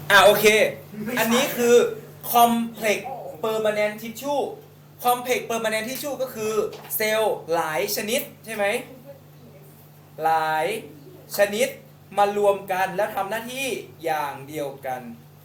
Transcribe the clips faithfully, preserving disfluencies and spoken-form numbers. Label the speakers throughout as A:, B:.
A: อ่าโอเคอันนี้คือ complex permanent tissue complex permanent tissue ก็คือเซลล์หลายชนิดใช่ไหมหลายชนิดมารวมกันแล้วทำหน้าที่อย่างเดียวกัน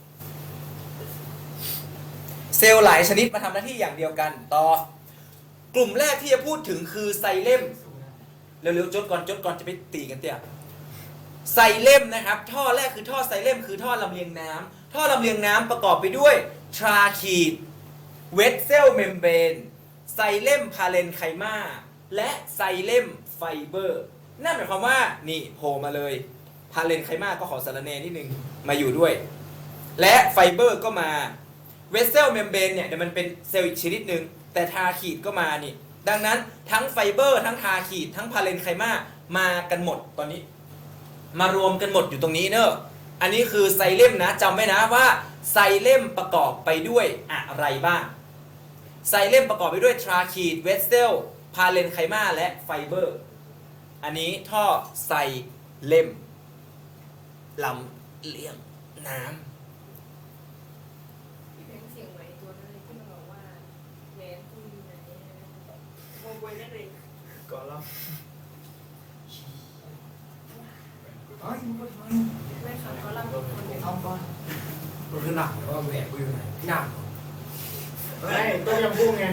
A: เซลล์หลายชนิดมาทำหน้าที่อย่างเดียวกันต่อกลุ่มแรกที่จะพูดถึงคือไซเลมเร็วๆจดก่อนจดก่อนจะไปตีกันเตี้ยไซเลมนะครับท่อแรกคือท่อไซเลมคือท่อลำเลียงน้ำท่อลำเลียงน้ำประกอบไปด้วยทราคีดเวสเซลเมมเบรนไซเลมพาเลนไคมาและไซเลมไฟเบอร์นั่นหมายความว่านี่โผล่มาเลยพาเลนไคมาก็ขอสารเนนิดนึงมาอยู่ด้วยและไฟเบอร์ก็มาเวสเซลเมมเบรนเนี่ยเดี๋ยวมันเป็นเซลล์อีกชนิดหนึ่งแต่ทาคีดก็มานี่ดังนั้นทั้งไฟเบอร์ทั้งทาคีดทั้งพาเลนไคมามากันหมดตอนนี้มารวมกันหมดอยู่ตรงนี้เนอะอันนี้คือไซเลมนะจำไว้นะว่าไซเลมประกอบไปด้วยอะไรบ้างไซเลมประกอบไปด้วยทราคีดเวสเซลพาเลนไคมาและไฟเบอร์อันนี้ท่อไซเลมลำเลียงน้ำ
B: เสียงไหมตัวนั้นเลยที่มันบอกว่าแหวนคุณอยู่ไหนโมบวยนั่นเอง
C: ก่อนแล้ว
B: ไม่ค่ะเขาเล่าคนเดียว
C: ทำก่อน
D: มันคือหนักว่าแหวนกูอยู่ไหนพี่หนัก
C: ไม่ต้มยำกุ้งไง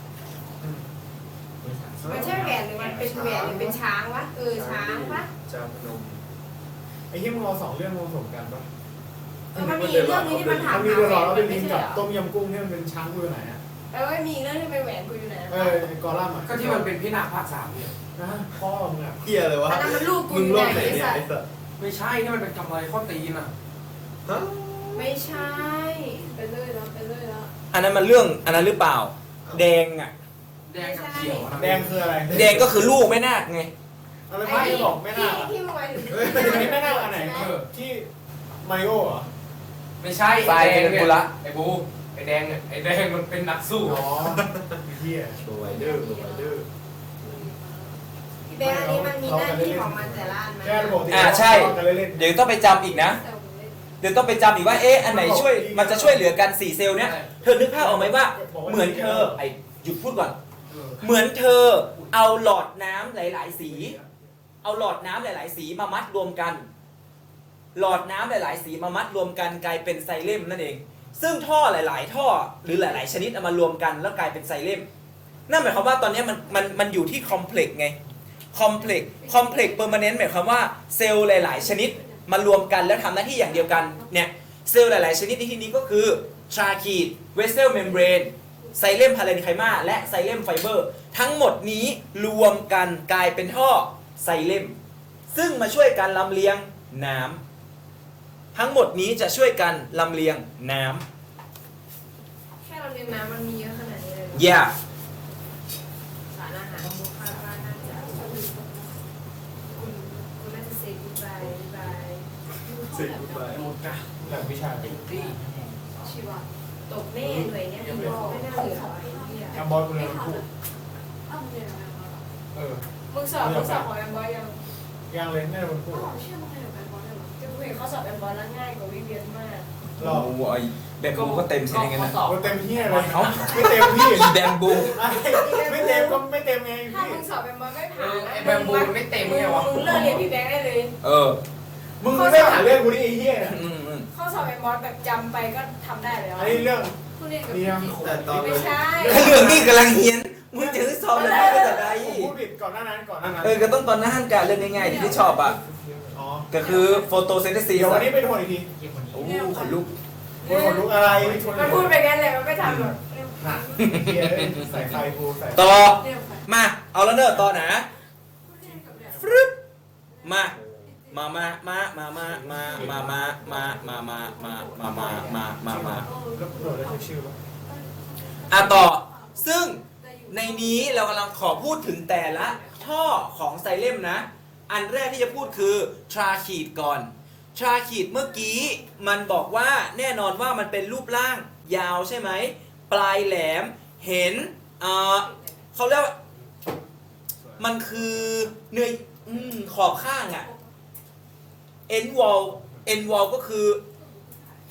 B: มันใช่แหวนหรือมันเป็นแหวนหรือเป็นช้างวะเออช้างปะ
C: จามพนมไอ้ที่มึงเอาสองเรื่องมาผสมกันปะ
B: เออมันมีเรื่องนี้ที่มันถาม
C: มันมี
B: หา
C: เรื่อง
B: แหว
C: รอน แล้วเป็น
B: ไม่
C: ลิง
B: ใช่
C: กับ
B: เหรอ
C: ต้มยำกุ้งที่มันเป็นช้างกูอยู่ไหนอ่ะ
B: แปลว่ามีเรื่องที่เป็นแหวนกูอยู่ไหน
C: เออไอ้กอลัมน์อ่ะ
D: ก็ที่มันเป็นพี่หนักภาคสามเนี่ย
C: นะพ่อมึงอ่ะ
E: เฮียเลยวะ
B: อันนั้นมันลูกกู
E: มึ
B: อง ยู่
E: โล
B: ไหน
E: กไหน
B: ไอ้
E: เนี่ย
B: สัต
E: ไอ้
B: ว์
E: สัส
D: ไม่ใช่ที่มันเป็นกำไรข้อตีนอ่ะ
E: ฮะ
B: ไม่ใช่ไปเลยแล้วไปเลยแล้ว
A: อันนั้นมันเรื่องอันนั้นหรือเปล่าแดงอ่ะ
D: แดงกับเขียวอะ
C: แดงคืออะไร
A: แดงก็คือลูกแม่นาคไง
C: อะไรไม่ได้บอกไม่น่า
B: ที่ที่มึงหมายถึง
C: อันนี้ไม่น่าอันไหนที่มาริโอเหรอ
D: ไม่ใช่
A: ทรายเป็นกุละ
D: ไอ้บูไอ้แดงเนี่ยไอ้แดงมันเป็นนักสู้
C: อ๋อเฮีย
E: โบไวเดอร์โบไวเดอร์
B: แบงค์อันนี้มันมีหน้าที่ของมันแต่ละอันไหม
C: แค่ระบบที่
A: อ่าใช่
C: กันเล่น
A: เดี๋ยวต้องไปจำอีกนะ เดี๋ยวต้องไปจำอีกว่าเอ๊ะอันไหนช่วยมันจะช่วยเหลือกันสี่เซลล์เนี้ยเธอนึกภาพออกไหมว่าเหมือนเธอไอ้หยุดพูดก่อน
D: เออ
A: เหมือนเธอเอาหลอดน้ำหลาย ๆ สี เอาหลอดน้ำหลาย ๆ สีมามัดรวมกัน หลอดน้ำหลาย ๆ สีมามัดรวมกันกลายเป็นไซเลมนั่นเอง ซึ่งท่อหลาย ๆ ท่อหรือหลาย ๆ ชนิดเอามารวมกันแล้วกลายเป็นไซเลมนั่นหมายความว่าตอนนี้มันมันมันอยู่ที่คอมเพล็กซ์ไงคอมเพล็กซ์คอมเพล็กซ์เปอร์มานแนนต์หมายความว่าเซลล์หลาย ๆ ชนิดมารวมกันแล้วทำหน้าที่อย่างเดียวกันเนี่ยเซลล์หลาย ๆ ชนิดในที่นี้ก็คือทราคีดเวสเซลเมมเบรนไซเลมพาเลนไคมาและไซเลมไฟเบอร์ทั้งหมดนี้รวมกันกลายเป็นท่อไซเลมซึ่งมาช่วยกันลำเลียงน้ำทั้งหมดนี้จะช่วยกันลำเลียงน้ำ
B: แค่เราเรียนน้ำมันมีเยอะขนาดนี้เลย
A: yeah
B: สารอาหารบุคคลว่าน่าจะคุณคุณน่าจะเซฟบายบาย
E: สิบไป
D: โดนกะ
C: แบบวิชา
D: ติดตี้
B: ชีวะตกแน่หน่วยเนี้ยพี่บอกไม่น่าเหลือไอ้เหี้ย
C: แอมบอลกูเลยพูด
B: อ้าวเรียนอะไรมา
C: เออ
B: มึงสอบมึงสอบของแอมบอยยัง
C: ยังเลยแน่มันพูด
B: อ๋อเชื่อมึงให้กับแอมบอยได้หรอจะคุยเขาสอบแอมบอยแล้วง่ายกว่าวิเวียนมาก
C: หรอ
A: โอ้ยแบมบูก็เต็มใช่ไหมงั้นนะ
D: สอบ
C: มันเต็มที่เลย
A: เอ้า
C: ไม่เต็มที่
A: แบมบู
C: ไม่เต็มก็ไม่เต็มไง
B: ถ้า
C: พี่
B: มึงสอบแอมบอยไม่ผ่านนะ
D: ไอ้แบมบูมันไม่เต็มไงวะ
B: มึงเลิกเรียนพี่แบงค์ได้เลย
A: เออ
C: มึงไม่หาเรื่องกูนี่ไอ้เหี้ย
A: อืมอืม
B: ข้อสอบแอมบอยแบบจำไปก็ทำได้แล้ว
C: อันนี้เรื่อง
B: คุณเรียนกับ
C: เรียน
E: แต่ตอน
B: ไม่ใช่
A: เรื่องนี้กำลังเฮียนมึงจะสอบอะไรก็จะได้
C: ผมพูดผิดก่อนหน้านั้นก่อนหน้านั้น
A: เออก็ต้องตอนหน้าห้านการเรื่องง่ายๆที่ที่ชอบอ่ะ
C: อ๋อ
A: ก็คือโฟโตเซนเทซิส
C: เดี๋ยววันนี้ไปโทษอีกที
A: โอ้ขนลุก
C: คนขนลุกอะไร
B: มันพูดไปงั้นเลยมันไม่ทำหรอก
C: หนักเหี้ยใส่ไฟกูใส่
A: ต่อ
B: เรียกไป
A: มา เอาแล้วเนอะต่อนะฟรึบมา มา มา มา มา มา มา มา มา มา มา มา มา มา มา มา มา มา
C: แล้วโดดได้ทุกชื่อปะ
A: อ่ะต่อ ซึ่งในนี้เรากำลังขอพูดถึงแต่ละท่อของไซเลมนะ อันแรกที่จะพูดคือทราคีดก่อนทราคีดเมื่อกี้มันบอกว่าแน่นอนว่ามันเป็นรูปร่างยาวใช่ไหม ปลายแหลมเห็นเอ่อเขาเรียกว่ามันคือเนื้ออืมขอบข้างอะ end wall end wall ก็คือ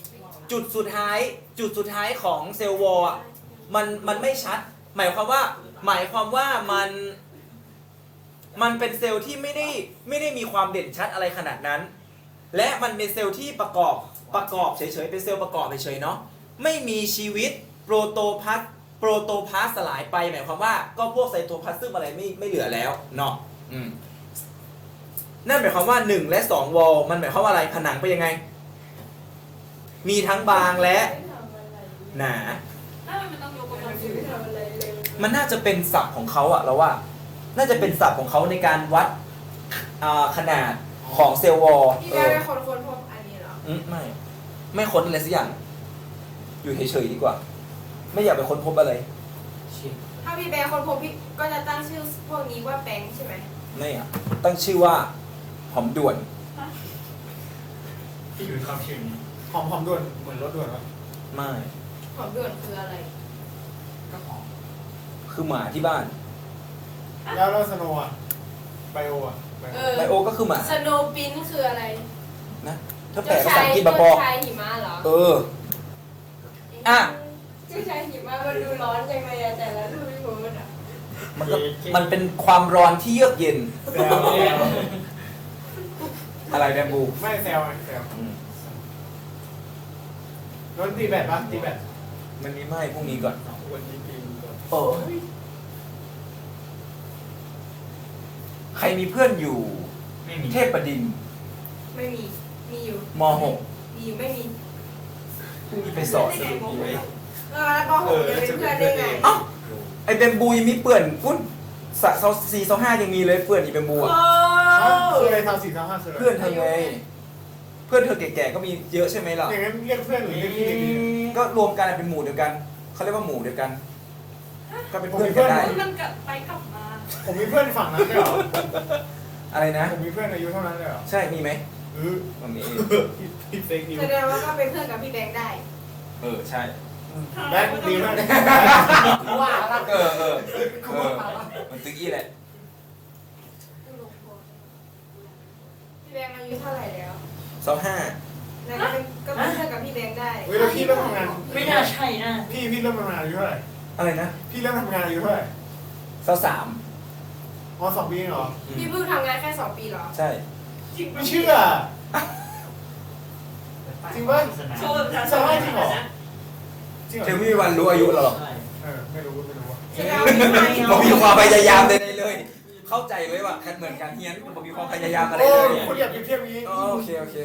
A: จุดสุดท้ายจุดสุดท้ายของเซลล์วอลอ่ะมันมันไม่ชัด หมายความว่าหมายความว่ามันมันเป็นเซลล์ที่ไม่ได้ไม่ได้มีความเด่นชัดอะไรขนาดนั้น และมันเป็นเซลล์ที่ประกอบประกอบเฉยๆเป็นเซลล์ประกอบเฉยๆเนาะไม่มีชีวิตโปรโตพลาสโปรโตพลาสสลายไปหมายความว่าก็พวกไซโตพลาสซึมอะไรไม่ไม่เหลือแล้วเนาะอืมนั่นหมายความว่าหนึ่งและสองวอลมันหมายความว่าอะไรผนังเป็นยังไงมีทั้งบางและหนา
B: ถ้ามันต้องยกกำลังสูงทำอะไรเลย
A: มันน่าจะเป็นศัพท์ของเขาอะเราว่า น่าจะเป็นศัพท์ของเขาในการวัดอ่าขนาดของเซลล์วอล
B: พี่
A: เอ
B: แม่
A: อ
B: เป็นคนค้นพบอันนี้เหรอ
A: อืมไม่ ไม่ค้นอะไรสักอย่าง อยู่เฉยๆดีกว่า ไม่อยากไปค้นพบอะไร
B: ถ้าพี่แบงค์ค้นพบพี่ก็จะตั้งชื่อพวกนี้ว่าแบงค์ใช่ไหม
A: ไม่อะตั้งชื่อว่าหอมด่วน
C: ที่อยู่ในความชื่อนี้หอมหอมด่วนเหมือนรถด่วนวะ
A: ไม่
B: หอมด่วนคืออะไร
C: ก็หอม
A: คือหมาที่บ้าน
C: แล้วแล้วสโนว์อะไบโออะไบ
B: เอ
C: โอ
B: อ
A: ไบโอก็คือหมา
B: สโนว์ปินคืออะไร
A: นะถ้าแปลภาษาอังกฤษมาบ
B: เจ้า
A: อก
B: ชายหิมะเหรอ
A: เออ อ่ะ
B: เจ้าชายหิมะมันดูร้อนจังเลยอะแต่ละรูปที่ผมมันอะ
A: มันก็มันเป็นความร้อนที่เยือกเย็น
C: แซวแซว
A: อะไรแบมบู
C: ไม่แซวไงแซว
A: อืม
C: รถตีแบตปะตีแบต
A: มันมีไหมพรุ่งนี้ก่อน
E: วันนี้กินก่อน
A: โอ้ใครมีเพื่อนอยู่
C: ไม่มี
A: เทพประดิน
B: ไม่มี มีอยู่
A: มหก
B: มีอยู่ไม่มี
A: พรุ่งนี้ไปสอน
E: สรุปมีไหม
B: เออแล้วปหกจะเป็นเพื่อนได้ไง
A: เอ้าไอเบมบูยังมีเปื่อนปุ้นสะเซาสี่เซาห้ายังมีเลยเปื่อนอีเบมบู
B: โอ้
A: อ่ะ
C: คืออะไรทำสี่ทำห้าคืออะไร
A: เพื่อนเธอไง เพื่อนเธอแก่ๆก็มีเยอะใช่ไหมล่ะ
C: อย่างนั้นเรียกเพื่อนหรือเรียกพี่เด็กดี
A: ก็รวมกันเป็นหมู่เดียวกัน เขาเรียกว่าหมู่เดียวกัน ก็เป็น
C: ผม
A: เพื่อน
C: มี
A: กั
C: เพื่อน น
A: ได้
B: มันกลับไปกลับมา
C: ผมมีเพื่อนฝั่งนั้นด้วยเหรอ
A: อะไรนะ
C: ผมมีเพื่อนอายุเท่านั้นเลยเหรอ
A: ใช่ มีไหม
C: เออ
A: มันมี
C: พี่เฟกนิว
B: แสดงว่าก็เป็นเพื่อนกับพี่แบงค์ได้
A: เออ ใช่
C: แบงค์ดีมาก
D: ว่าแล้ว
A: เออเออเออมันตึกอี้แหละ
B: พี่แบงค์อายุเท่าไหร่แล้ว
A: เซาห้า
B: นั่นก็เป็นก็เป็นเพื่อนกับพี่แบงค์ได้
C: เฮ้ยแล้วพี่เริ่มทำงาน
F: ไม่น่าใช่นะ
C: พี่พี่เริ่มทำงานอายุเท่าไหร่
A: อะไรนะ
C: พี่เริ่มทำงานอายุเท่าไหร่
A: เซาสาม
C: อ๋อสองปีเองเหรอ
A: อืม
B: พี่เพิ่งทำงานแค่สองปีเหรอ
A: ใช่
C: ไม่เชื่อ จริงป่ะ
F: โชว์
C: สองห้าจริงเหรอจริงเหรอ
A: เธอไม่มีวันรู้อายุเราหรอก
C: เออไม่รู้ไม่รู้อะ
B: แสดงว่าพี่ไม่
A: ผมมีความพยายามใดๆเลย เข้าใจไว้ว่าเหมือนการเฮียนผมมีความพยายามอะไร
C: โอ้
A: เลย
C: คุณอย่าเปรียบเทียบอย่างนี้
A: อ๋อโอเคโอเค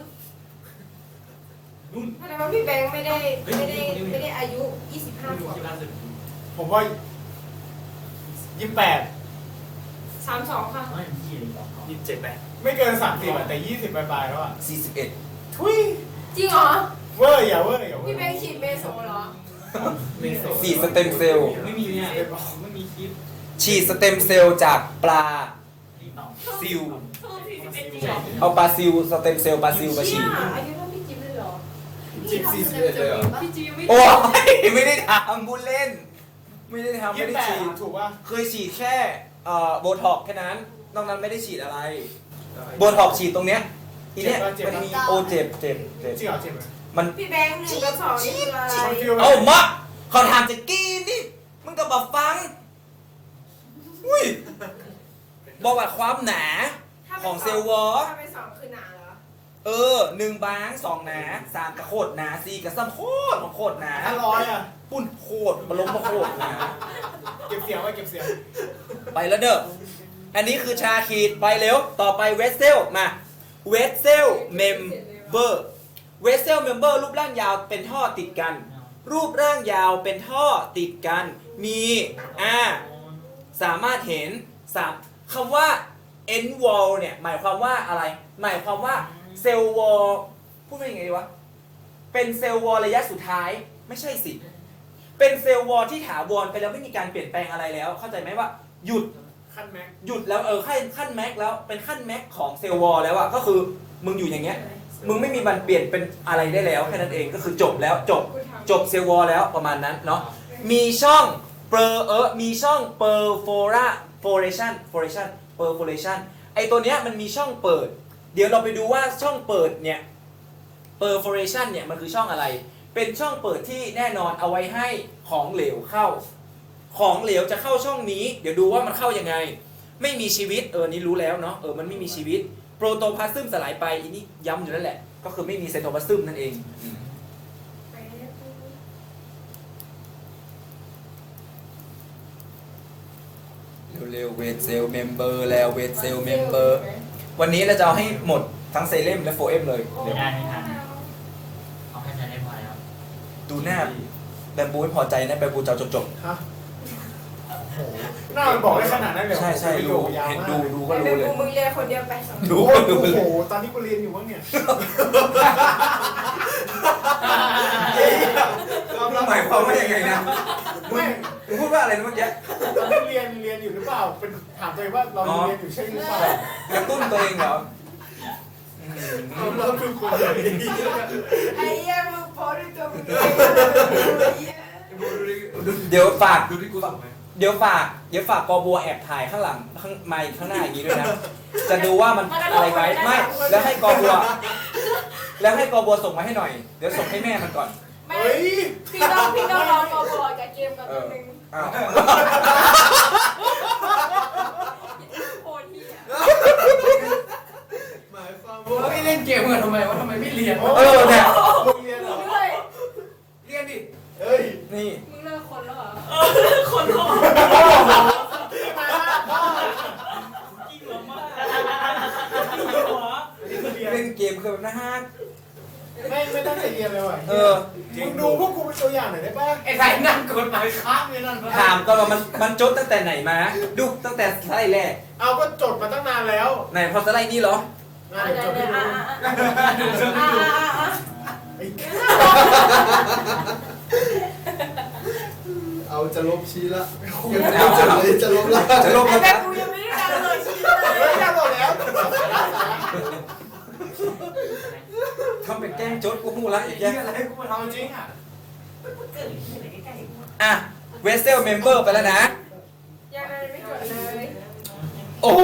B: แสดงว่าพี่แบงค์ไม่ได้ไม่ได้ไม่ได้อายุยี่สิบห้าขวบ
C: ผมว่ายี่สิบแปด
B: สามสองค่ะ
E: ยี่สิบเจ็ดแปด
C: ไม่เกินสามสิบอะแต่ยี่สิบปลายๆแล้วอะ
A: สี่สิบเอ็ด
C: ทุย
B: จริงเหรอ
C: เวอร์อย่าเวอร์อย่าเวอ
B: พี่
C: ร์
B: แบงค์ฉีดเมโซเหรอ
E: เมโซ
A: ฉีดสเต็มเซลล์
F: ไม่มีเนี่ยไม่มีคลิป
A: ฉีดสเต็มเซลล์จากปลาซิล เอาปลาซิลสเต็มเซลล์ปลาซิลมาฉี
B: เชี่ย
A: ด
B: อายุเท่าพี่จิ๊บเลยเหรอ
E: จิ๊บสี่สิบเอ็ดเลยเหรอ
B: พี่จิ๊บยังไม่
A: โอ้ยไม่ได้ทำบุญเล่น ไม่ได้ทำ
C: ยี่
A: ไม่
C: สิบ
A: ได้
C: แปด
A: ฉีด
C: ถูกป่ะ
A: เคยฉีดแค่เอ่อโบท็อกซ์แค่นั้น นอกนั้นไม่ได้ฉีดอะไร โบท็อกซ์ฉีดตรงเนี้ยอีเนี้ยมันมีโอเจ็บเจ็บเจ็บ
C: จริงเหรอเจ็บไหม
A: มัน
B: พี่แบงค์หนึ่งกับสองนี่คืออะไร
C: มันฟีลแบบ
A: เอามะเขาถามจะกินนี่มึงก็บอกฟัง อุ้ย บอกว่าความหนา
B: ถ้าป็น
A: ของเซลล์วอล
B: ถ้าเป็นสองคือหนาเหรอ
A: เออหนึ่งบางสองหนาสามกระโคตรหนาสี่กระซ้ำโคตรโคตรหนา
C: ห้าร้อยอะ
A: ปุ้นโคตรบล้มโคตรหนา
C: เก็บเสียงไว้เก็บเสียง
A: ไปแล้วเด้อ อันนี้คือชาขีดไปเร็ว ต่อไปเวสเซลมา เวสเซลเมมเบอร์ เวสเซลเมมเบอร์รูปร่างยาวเป็นท่อติดกัน รูปร่างยาวเป็นท่อติดกัน มีอ่าสามารถเห็นสามคำว่า end wall เนี่ยหมายความว่าอะไร หมายความว่าเซลล์วอลพูดว่ายังไงดีวะ เป็นเซลล์วอลระยะสุดท้ายไม่ใช่สิ เป็นเซลล์วอลที่ถาวรไปแล้วไม่มีการเปลี่ยนแปลงอะไรแล้ว เข้าใจไหมว่าหยุด
C: ขั้นแม็ก
A: หยุดแล้วเออขั้นขั้นแม็กแล้วเป็นขั้นแม็กของเซลล์วอลแล้วอะก็คือมึงอยู่อย่างเงี้ยมึงไม่มีมันเปลี่ยนเป็นอะไรได้แล้วแค่นั้นเองก็คือจบแล้วจบจบเซลล์วอลแล้วประมาณนั้นเนาะมีช่องเปอร์เออมีช่อง perforation foration perforation ไอตัวเนี้ยมันมีช่องเปิด เดี๋ยวเราไปดูว่าช่องเปิดเนี่ย perforation เนี่ยมันคือช่องอะไร เป็นช่องเปิดที่แน่นอนเอาไว้ให้ของเหลวเข้า ของเหลวจะเข้าช่องนี้เดี๋ยวดูว่ามันเข้ายังไง ไม่มีชีวิตเออนี่รู้แล้วเนาะเออมันไม่มีชีวิตโปรโตพลาสซึมสลายไปอันนี้ย้ำอยู่นั่นแหละก็คือไม่มีไซโตพลาสซึมนั่นเองเร็วๆเวทเซลเมมเบอร์แล้วเวทเซลเมมเบอร์วันนี้เราจะเอาให้หมดทั้งไซเลมและโฟเอมเลย
F: เดี๋ยวได้ไม่ทันเอาให้จะได้พอแล้ว
A: ดูหน้าแบมบูไม่พอใจนะแบมบูจะเอาจบ
C: ฮะโอ้โหหน้ามันบอกได้ขนาดนั้นเลย
A: ๆ
C: เหรอ
A: ใช่ใช่
C: ประโย
A: ดู
C: คยาว
A: เห็น
C: มาก
A: ดูดูก็
B: ไอ้
A: รู้
B: เป็น
A: เลย
B: กูมึงเรียนคนเดียวไปสอง
A: ดู
C: โอ้
A: ก็
C: โห
A: รู้เลย
C: ตอนนี้กูเรียนอยู่มั้งเนี่ย
A: หมายความว่ายังไงนะ
C: ไม่
A: มึงพูดว่าอะไรนะเมื่อกี้
C: ตอนนี้เรียนเรียนอยู่หรือเปล่า เป็นถามตัวเองว่าเราเรียนอยู่ใช่หรือเปล่าก
A: ระตุ้นตัวเองเหรออืม
C: เราคือคนเลย
B: ไอ้เหี้ยมึงโพสด้วยตัวมึงเอง
A: เดี๋ยวฝาก
E: ดูที่กูส่งไหม
A: เดี๋ยวฝากเดี๋ยวฝากกอบัวแอบถ่ายข้างหลังข้างไมค์ข้างหน้าอย่างนี้ด้วยนะ จะดูว่ามันอะไรไหมไม่แล้วให้กอบัว แล้วให้กอบัวส่งมาให้หน่อย เดี๋ยวส่งให้แม่มันก่อน
B: ไม่
C: เฮ้ย
B: พี่ต้องพี่ต้องรอกอบอยกับเกมกับตัวหนึ่ง
A: อ้าว
B: โคตรเหี้ย
C: หมายความ
D: ว่า
C: ว่า
D: ไม่เล่นเกมกันทำไมวะทำไมไม่เรียนวะ
A: เออเนี่ย
C: มึงเรียนเหรอ
B: มึงเลย
D: เรียนดิ
C: เฮ้ย
A: นี่
B: มึงเลิกคนแล้วเหรอ
F: คนท้อง
C: มาพ่อ
F: จริงเหรอมากจริงเหรอ
C: เรียน
A: เล่นเกมคือแบบนะฮะ
C: ไม่ไม่ตั้งใจเรียนเลยว่ะ
A: เออ
C: มึงดูพวกกูเป็นตัวอย่างหน่อยได้ป่ะ
D: ไอ้ใครนั่งกดหมายค้างเลยนั่นวะ
A: ถามก่อนว่ามันมันจดตั้งแต่ไหนมา ดูตั้งแต่สไลด์แรก
C: เอาก็จดมาตั้งนานแล้ว
A: ไหนพอสไลด์นี้เหรอ
C: งาน
B: อ่ะ
C: จดให้ดู
B: อ่ะอ่ะอ่ะ
C: ไอ้
E: เอาจะลบชี้ละ
A: เอาจะลบ
E: จะลบละ
A: จะลบ
B: ไอ้
A: แล้ว
B: แม่
A: นะ
B: กูยังไม่ได้ดาวน์โหลดชีวิตเลย
C: เฮ้ยได้หมดแล้ว
A: ทำเป็นแกล้งจดกูพูดละอีกแก
D: เรียนอะไรกูมาทำจริงอ่ะ
F: เกิดที่ไหนใกล้ๆกู
A: อ่ะเวสเซลเมมเบอร์ไปแล้วนะ
B: ยังไงไม่จดเลย
A: โอ้โห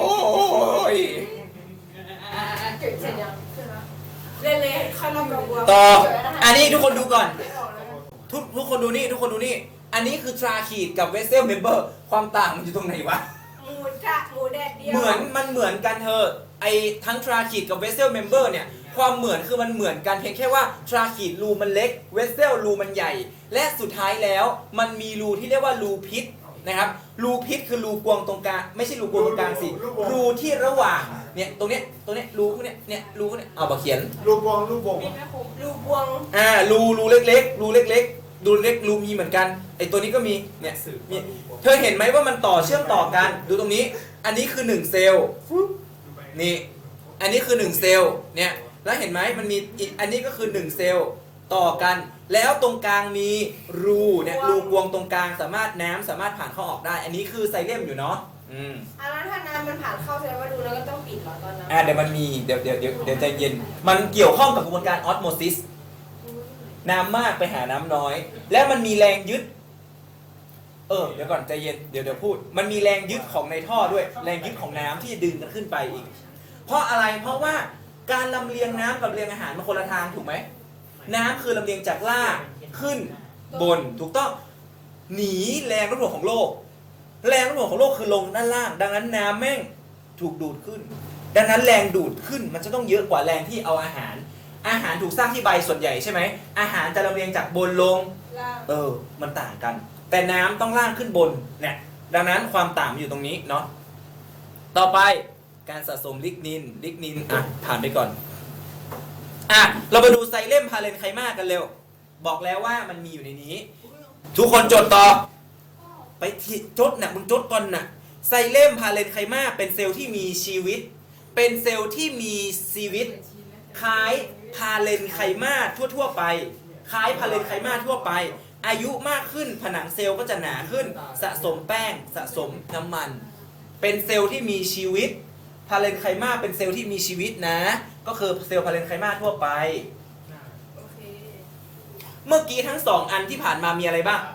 B: เก็บเสร็จยังเล่นเลยค่อยลองกับบัว
A: ต่อ อันนี้ทุกคนดูก่อน
B: ไม่ออกแล้ว
A: ทุกทุกคนดูนี่ ทุกคนดูนี่ อันนี้คือทราคีดกับเวสเซลเมมเบอร์ ความต่างมันอยู่ตรงไหนวะ
B: หมูกะหมูแดดเดียว
A: เหมือนมันเหมือนกันเธอะไอทั้งทราคีดกับเวสเซลเมมเบอร์เนี่ย ความเหมือนคือมันเหมือนกันเพียงแค่ว่าทราคีดรูมันเล็ก เวสเซลรูมันใหญ่ และสุดท้ายแล้วมันมีรูที่เรียกว่ารูพิษนะครับรูพิษคือรูกวงตรงกลางไม่ใช่รูกวงตรงกลางสิรูที่ระหว่างเนี่ยตรงเนี้ยตรงเนี้ยรูพวกเนี้ยเนี่ยรูพวกเนี้ยเอามาเขียน
C: รูปวงรูปวง
B: มีแม่คมลูกบวง
A: อ่ารูรูเล็กๆรูเล็กๆรูเล็กรูมีเหมือนกันไอตัวนี้ก็มีเนี่ยมีเธอเห็นไหมว่ามันต่อเชื่อมต่อกันดูตรงนี้ อันนี้คือหนึ่งเซลล์นี่อันนี้คือหนึ่งเซลล์เนี่ยแล้วเห็นไหมมันมีอีกอันนี้ก็คือหนึ่งเซลล์ต่อกัน แล้วตรงกลางมีรูเนี่ยรูกวงตรงกลางสามารถน้ำสามารถผ่านเข้าออกได้ อันนี้คือไซเลมอยู่เนาะอืม
B: อันนั้นถ้าน้ำมันผ่านเข้าแสดงว่าดูแล้วก็ต้องปิดเหรอตอนนั้น
A: อ่าเดี๋ยวมันมีเดี๋ยวเดี๋ยวเดี๋ยวเดี๋ยวใจเย็น มันเกี่ยวข้องกับกระบวนการออสโมซิสน้ำมากไปหาน้ำน้อย และมันมีแรงยึด เออเดี๋ยวก่อนใจเย็นเดี๋ยวเดี๋ยวพูด มันมีแรงยึดของในท่อด้วย แรงยึดของน้ำที่จะดึงกันขึ้นไปอีก เพราะอะไรเพราะว่าการลำเลียงน้ำกับลำเลียงอาหารมันคนละทางถูกไหมน้ำคือลำเลียงจากล่างขึ้นบนถูกต้องหนีแรงโน้มถ่วงของโลก แรงโน้มถ่วงของโลกคือลงด้านล่าง ดังนั้นน้ำแม่งถูกดูดขึ้น ดังนั้นแรงดูดขึ้นมันจะต้องเยอะกว่าแรงที่เอาอาหาร อาหารถูกสร้างที่ใบส่วนใหญ่ใช่ไหมอาหารจะลำเลียงจากบนลง
B: ล่าง
A: เออ มันต่างกัน แต่น้ำต้องล่างขึ้นบน เนี่ย ดังนั้นความต่างมันอยู่ตรงนี้เนาะ ต่อไปการสะสมลิกนิน ลิกนิน อ่ะ ผ่านไปก่อน อ่ะ เรามาดูไซเลมพาเลนไคมากันเร็ว บอกแล้วว่ามันมีอยู่ในนี้ ทุกคนจดต่อ ไปที่จดนะมึงจดก่อนนะไซเลมพาเลนไคมาเป็นเซลล์ที่มีชีวิต เป็นเซลล์ที่มีชีวิต คล้ายพาเลนไคมาทั่วๆไป คล้ายพาเลนไคมาทั่วไป อายุมากขึ้นผนังเซลล์ก็จะหนาขึ้น สะสมแป้งสะสมน้ำมัน เป็นเซลล์ที่มีชีวิต พาเลนไคมาเป็นเซลล์ที่มีชีวิตนะ ก็คือเซลล์พาเลนไคมาทั่วไป
B: โอเค
A: เมื่อกี้ทั้งสองอันที่ผ่านมามีอะไรบ้าง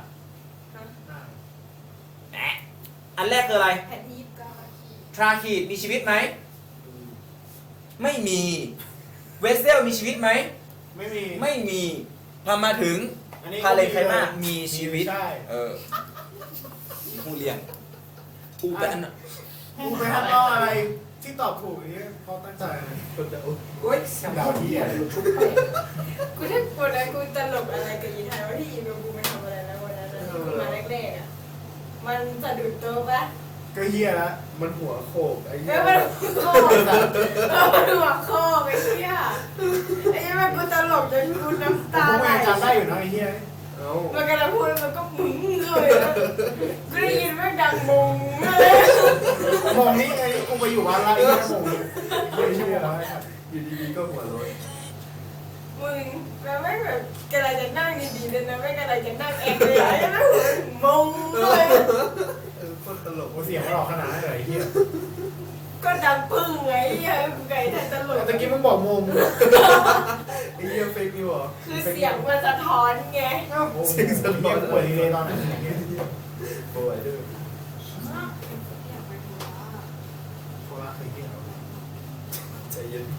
A: แหมอันแรกคืออะไร
B: แผ่นที่ก็
A: ทราคีดมีชีวิตไหม ไม่มี เวสเซลมีชีวิตไหม
C: ไม่มี
A: ไม่มีพอมาถึง
C: อันนี้
A: พาเลนไคมามีชีวิต
C: ใช่
A: เออผู้เลี้ยงผู้แบบนั้นน่ะ
C: กูไปทำเอาอะไรที่ตอบถูกนี่เพราะตั้งใจคนจะอุ๊ย
B: โอ๊ย
C: ดาวที่อะไร
B: กูถ้ากูนะกูตลกอะไรกับยีไทยว่าที่ยีกับกูไปทำอะไรแล้ววันนั้นนะที่กูมาแรกๆอ่ะมันสะดุดโต๊ะปะ
C: ก็เฮียละมันหัวโขกไอ้
B: เอ
C: เหี้ย
B: อมันโคกอะเออมันหัวโคกไอ้เหี้ยไอ้เหี้ยมันกูตลกจนกูน้ำ
C: ผ
B: ตาม ไหล
C: ก็ยังจำได้อยู่นะไอ้เฮียเอ้า
B: มันกำลังพูดแล้วมันก็มึงเลยนะกูได้ยินแม่งดังมงเลย
C: มองนี่ไอ้กูไปอยู่บ้านละไอ้เฮียมองไม่เชื่อแล้วอยู่ดีๆก็หัวโล้น
B: มึงแล้วแม่งแบบกำลังจะนั่งดีๆเลยนะแม่งกำลังจะนั่งเองเลยไอ้แม่งหัวมงเลย
C: เออโคตรตลกเสียงมันออกขนาดนั้นเลยไอ้เฮีย
B: ก็ดังปึ้งไงไอ้เหี้ยกูไก่แทนตลก
C: ตะกี้มึงบอกมงไอ้เฮียเฟกนิวเหรอ
B: คือเสียงมันสะท้อนไง
C: เสียงสะท้อนป่วยเลยตอนนั้นป่วยด้วยโคราชเคยเที่ยวใจเย็น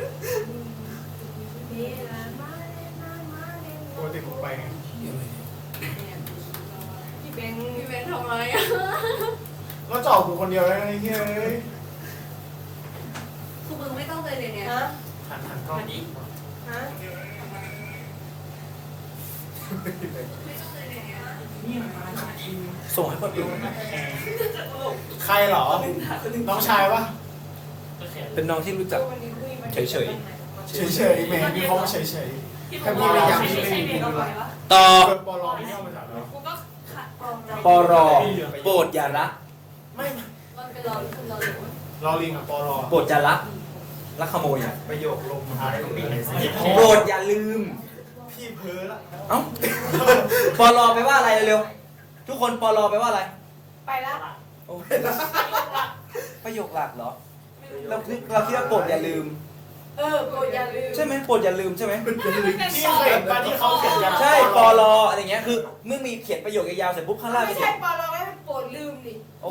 C: ปกติผมไปไง
B: พี่เบง
E: พี่เบนทำอะไรอ่ะ
C: ก็จอกกูคนเดียวแล้วไอ้เฮ้ย
E: คือมึงไม่ต้องเลยเลยเนี่ย
B: ฮะ
C: หันหันกล้อง
B: ฮะ
E: ไม่ต้องเลยเนี่ย
A: ส่งให้คนอื่น
C: ใครเหรอ น้องชายปะ
A: เป็นน้องที่รู้จัก
B: วันนี้คุยมา
A: เฉย
C: เฉยๆแหมมีเขาเฉยๆถ้าพี่ไม่อยากพี่ไม่มีพี่ดูละ
A: ต่อ
C: ปอลอไม่เข้ามาถามเรา
E: กูก็ขัดกรอง
A: ปอรอโปรดอย่าละ
C: ไม่
E: มันเป็นรอคุณรอหรือ
C: รอลิงกับปอลอ
A: โปรดอย่าละลักขโมยอ่ะ
C: ประโยคลงท้ายของปีเลยสิ
A: โปรดอย่าลืม
C: พี่เพ้อละ
A: เอ้าปอรอไปว่าอะไรเร็วๆทุกคนปอรอไปว่าอะไร
B: ไปละ
A: โอ้ประโยคหลักเหรอเราคิดเราคิดว่าโปรดอย่าลืม
B: เออโปรดอย่าลืม
A: ใช่ไหมโปรดอย่าลืมใช่ไหม
C: ที่เคยเห็นปะที่เขาเขียนยัน
A: ใช่ปอรออะไรเงี้ยคือเมื่อมีเขียนประโยคยาวๆเสร็จปุ๊บข้างล่าง
B: ไม่
A: จะ
B: ใช่
A: เขียน
B: ปอลอไม่เป็นโปรดลืมดิ
A: โอ้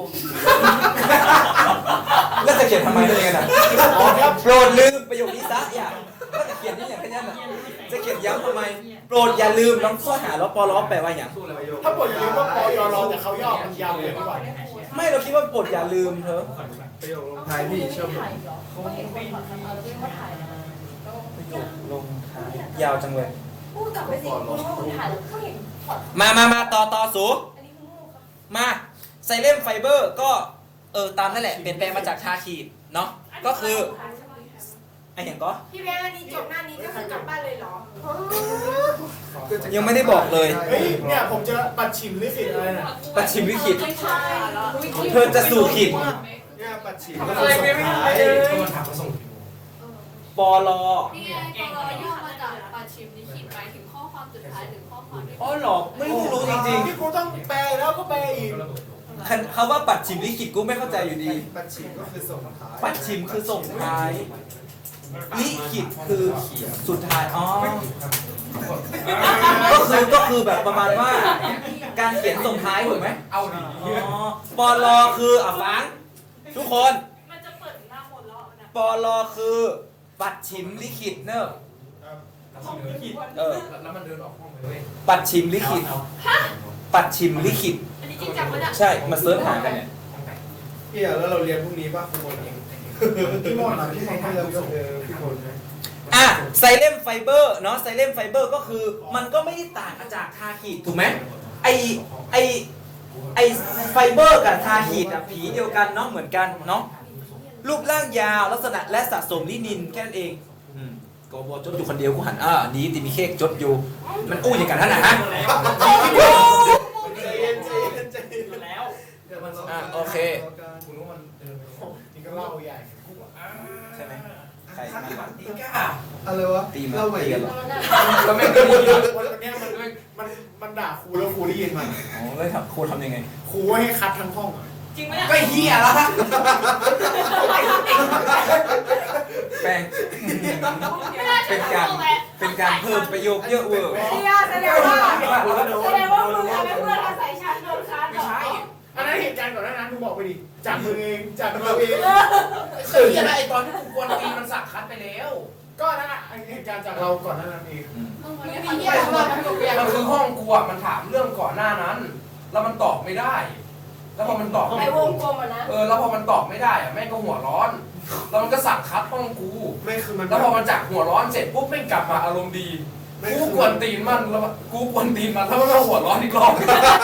A: แล้วจะเขียนทำไมอะไรกันอ่ะ
C: อ๋อครับ
A: โปรดลืมประโยคนี้ซะอย่าก็จะเขียนนี่อย่างแค่นั้นอ่ะจะเขียนย้ำทำไม โปรดอย่าลืมน้องข้อหาแล้วปอรอแปลว่าอย่าง
C: ถ้าปวดอย่าลืมว่าปอยอรอแต่เขาย่อมันยาวเลยดีกว่า
A: ไม่เราคิดว่าโปรดอย่าลืมเธอ
C: ประโยคลงท้ายพี่เชื่อผม
B: เขาเห็นคนถอดคำเอาแล้วพี่มาถ่ายนะ
A: ประโยคลงท้ายยาวจังเลย
B: พูดกลับไปสิคุณว่าคุณถ่ายแล้วเขาเห็นถอด
A: มามามาต่อต่อสู
B: อันนี้คือโง่ครับ
A: มาไซเลมไฟเบอร์ก็เออตามนั่นแหละเปลี่ยนแปลงมาจากทาขีดเนาะก็คือไอ้อย่างก็
B: พี่แบงค์อันนี้จบหน้านี้ก็คือกลับบ้านเลยเหรอ
A: ยังไม่ได้บอกเลย
C: เฮ้ยเนี่ยผมจะปัดฉิมลิขิตอะไรน่ะ
A: ปัดชิมวิกฤต
E: ไม่ใช่แล้ว
A: เธอจะสู่ขีด
C: เนี่ยปัดฉิม
B: อะไรไม่ไม่ได้เลย
A: ปอลอ
E: นี่ไงพอเราย่อมาจากปาชิมนี่ขีดไปถึงข้อความสุดท้ายหรือข้อความที่
A: อ๋อหรอไม่รู้รู้จริง
C: ที่กูต้องแปลแล้วก็แปลอีก
A: ๆคันคำว่าปัดชิมลิขิตกูไม่เข้าใจอยู่ดี
C: ปัดฉิมก็คือส่งท้าย
A: ปัดชิมคือส่งท้ายลิขิตคือสุดท้ายอ๋อก็คือก็คือแบบประมาณว่า การเขียนส่งท้ายถูกไหม
D: เอาดิ
A: อ๋อปอลอคืออ่ะฟังทุกคน
F: มันจะเปิดหน้าหมดแล้วนะ
A: ปอลอคือปัดชิมลิขิตเนอะ
F: ห้องผิด
A: เออ
D: แล้วมันเดินออกห้องไปเว้ย
A: ปัดชิมลิขิตปัดชิมลิขิต
F: อันนี้จริงจังปะเนี่ย
A: ใช่มาเสิร์ชหากันเนี่ย
C: พี่อ่ะแล้วเราเรียนพรุ่งนี้ป่ะคุณมนเองพี่มนอ่ะพี่มนให้เราเออพี่มนนะ
A: อ่ะไซเลมไฟเบอร์เนาะไซเลมไฟเบอร์ก็คือมันก็ไม่ได้ต่างจากทาขีดถูกไหมไอไอไอไฟเบอร์กับทาขีดอะผีเดียวกันเนาะเหมือนกันเนาะรูปร่างยาวลักษณะและสะสมลินินแค่นั้นเองอืมโกโบจดอยู่คนเดียวกูหันอ่านี้ติมีเค้กจดอยู่มันอู้อย่างกันท่านนะฮะ
C: ใจเย็นใจเย็นใจเย็น
F: แล้ว
A: อ่ะโอเค
D: คุณรู้มันเดินไปห้อง
C: นี่ก็เล่าใหญ่
A: ใช่ไหมใครมา
D: ตีก้า
C: อะไรวะ
A: ตีมา
C: เล่าใหม่
A: ตี
C: กั
A: กัน นเหรอ
D: ก็ไม่ได้ยิน
C: วันเนี้ยมันมันมันด่าครูแล้วครูได้ยินมัน
A: อ๋อแล้วทำโคทำยังไง
C: ครูให้คัดทั้งห้องอ่ะ
F: จริงไหมเนี่ย
D: ก็เฮียละ
A: แป้ง
F: ไม่น่า
A: เป็น
F: จะ
A: การ
F: ทำแหละ
A: เป็นการเพิ่มประโยคเยอะเวอร์
B: เนี่ยแสดงว่าแสดงว่ามึงทำให้เพื่อนอาศัยฉันโดนคัดเหร
D: ไม่ใช่
B: อ
C: อันนั้นเหตุการณ์ก่อนหน้านั้นมึงบอกไปดิจากมึงเองจากเราเอง
D: คือจะได้ไอตอนที่กูกวนตีมันสักคัดไปแล้ว
C: ก็นั่นแหละเหตุการณ์จากเราก่อนหน้านั้นเอง
A: อืม
E: มึง
B: มั
E: มัน น
B: ไม่
E: ไม่
B: มี
E: มี
B: เหี้
E: เหี้
B: ย
E: ย
B: อะไรมาทุกอย่าง
D: มันคือห้องกูอ่ะมันถามเรื่องก่อนหน้านั้น แล้วมันตอบไม่ได้ แล้วพอมันตอบ
B: ไอ้วงกลมอ่ะนะ
D: เออแล้วพอมันตอบไม่ได้อ่ะแม่งก็หัวร้อน แล้วมันก็สั่งคัดห้องกู
C: ไม่คือมัน
D: แล้วพอมันจากหัวร้อนเสร็จปุ๊บแม่งกลับมาอารมณ์ดี กูกวนตีนมันแล้วกูกวนตีนมันแล้วมันก็หัวร้อนอีกรอบ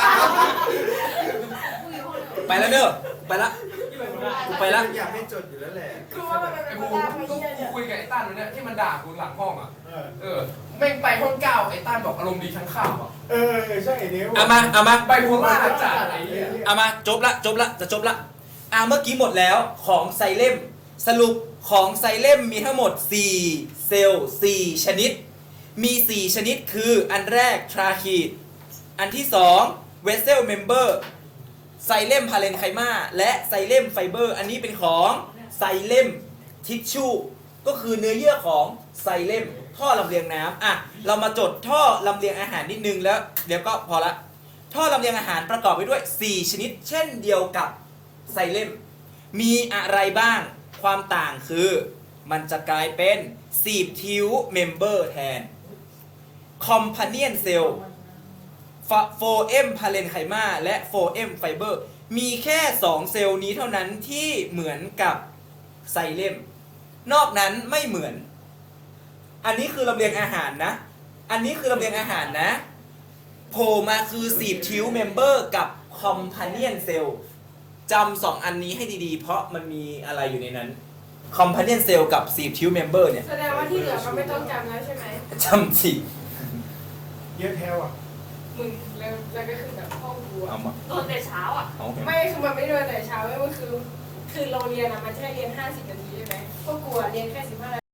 A: ไปแล้วเด้อไปละ กูไปละ
C: อยากให้จดอยู่แล้วแหละ
B: คือว่ามันเป็น
D: ไอ้
B: ค
D: กู
B: นแรก
D: กู
B: ไม่
D: กู
B: เหี้ยเนี่ย
D: คุยกับไอ้ตั้นวันเนี้ยที่มันด่ากูหลังห้องอ่ะ
C: เออ
D: เออแม่งไปห้องเก้าไอ้ตั้นบอกอารมณ์ดีทั้งข้าวอ่ะ
C: เออใช่ไอ้เนี้ย
A: เอามาเอามา
D: ไบโพล่าจัดไอ้เนี่ย
A: เอามาจบละจบละจะจบละอ่าเมื่อกี้หมดแล้วของไซเลมสรุปของไซเลมมีทั้งหมดสี่เซลล์สี่ชนิด มีสี่ชนิดคืออันแรกทราคีดอันที่สองเวสเซลเมมเบอร์ไซเลมพาเลนไคมาและไซเลมไฟเบอร์อันนี้เป็นของไซเลมทิชชูก็คือเนื้อเยื่อของไซเลมท่อลำเลียงน้ำอ่ะเรามาจดท่อลำเลียงอาหารนิดนึงแล้วเดี๋ยวก็พอละ ท่อลำเลียงอาหารประกอบไปด้วย สี่ ชนิด เช่นเดียวกับไซเลม มีอะไรบ้าง ความต่างคือมันจะกลายเป็นสีบทิวเมมเบอร์แทน คอมพาเนียนเซลล์โฟเอมพาเลนไคมาและโฟเอมไฟเบอร์มีแค่ สอง เซลล์นี้เท่านั้นที่เหมือนกับไซเลม นอกนั้นไม่เหมือน อันนี้คือลำเลียงอาหารนะ อันนี้คือลำเลียงอาหารนะ โผล่มาคือสีบทิวเมมเบอร์กับคอมพาเนียนเซลล์จำสองอันนี้ให้ดีๆ เพราะมันมีอะไรอยู่ในนั้นคอมพาเนียนเซลล์กับสีบทิวเมมเบอร์เนี่ย
B: แสดงว่าที่เหลือมันไม่ต้องจำแล้วใช่ไหม
A: จำสิ
C: เยอะแถวอ่ะ
B: มึงแล้วแล้วก็คือแบบห้องกู
A: เอา
B: อะ
A: มา
E: โดนแต่เช้าอ่ะ
A: เอา
B: ไม่คือมันไม่ได้เรียนแต่เช้าเว้ยมันคือคือเราเรียนอะมันจะให้เรียนห้าสิบนาทีใช่ไหมพวกกูอะเรียนแค่สิบห้านาที